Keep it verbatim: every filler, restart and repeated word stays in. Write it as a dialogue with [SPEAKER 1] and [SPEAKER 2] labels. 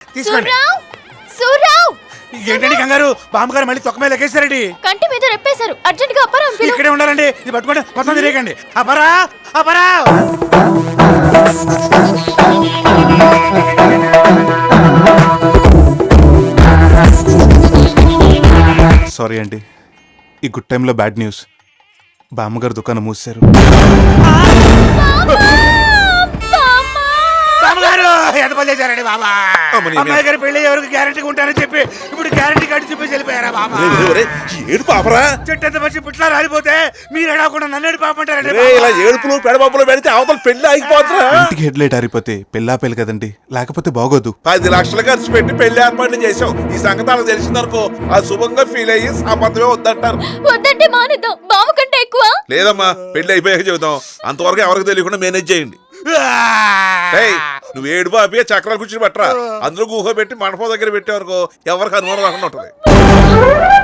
[SPEAKER 1] తీసుకోండి.
[SPEAKER 2] సూర్రావ్,
[SPEAKER 1] ఏంటండి కంగారు? బామ్మగారు మళ్ళీ తొక్క మీద లెక్కేశారండి.
[SPEAKER 2] కంటి మీద రెప్పేశారు. అర్జెంట్ గా అప్పారావు పిలు.
[SPEAKER 1] ఇక్కడే ఉండాలండి. ఇది పట్టుకోండి, మొత్తం తిరగండి. అపరా అపరా సారీ అండి, ఈ గుడ్ టైంలో బ్యాడ్ న్యూస్. బామ్మగారు దుకాణం మూసారు. బామ్మగారు ఎంత పని చేశారండి బాబా? అమ్మాయి గారి పెళ్లి ఎవరికి గ్యారంటీ ఉంటారని చెప్పి ఇప్పుడు గ్యారంటీ కార్డు చూపేసి వెళ్ళిపోయారా బాబా?
[SPEAKER 3] ఏడు పాపరా,
[SPEAKER 1] చెట్టు ఎంత మంచి పుట్లా రాలిపోతే మీరు ఎడవకుండా నన్ను ఏడు పాపంటారండి.
[SPEAKER 3] ఇలా ఏడుపులు పెడబాపులు పెడితే అవతల పెళ్లి ఆగిపోతున్నా.
[SPEAKER 1] ఇంటికి హెడ్ లైట్ ఆరిపోతే పెళ్ళా పెళ్ళి కదండి, లేకపోతే బాగోదు.
[SPEAKER 3] పది లక్షలు ఖర్చు పెట్టి పెళ్లి ఏర్పాట్లు చేసాం. ఈ సంగతి అలా తెలిసిందనుకో ఆ శుభంగా ఫీల్ అయ్యి సంబంధమే వద్దంటారు.
[SPEAKER 2] వద్దంటే మానేద్దాం. బావ కంటే ఎక్కువ.
[SPEAKER 3] లేదమ్మా, పెళ్లి అయిపోయాక చెబుతాం. అంతవరకు ఎవరికి తెలియకుండా మేనేజ్ చేయండి. నువ్వు ఏడు బాబి చక్రాలు కూర్చుని పట్టరా. అందులో గుహ పెట్టి మండపం దగ్గర పెట్టేవరకు ఎవరికి అనుమానం రాకుండా ఉంటది.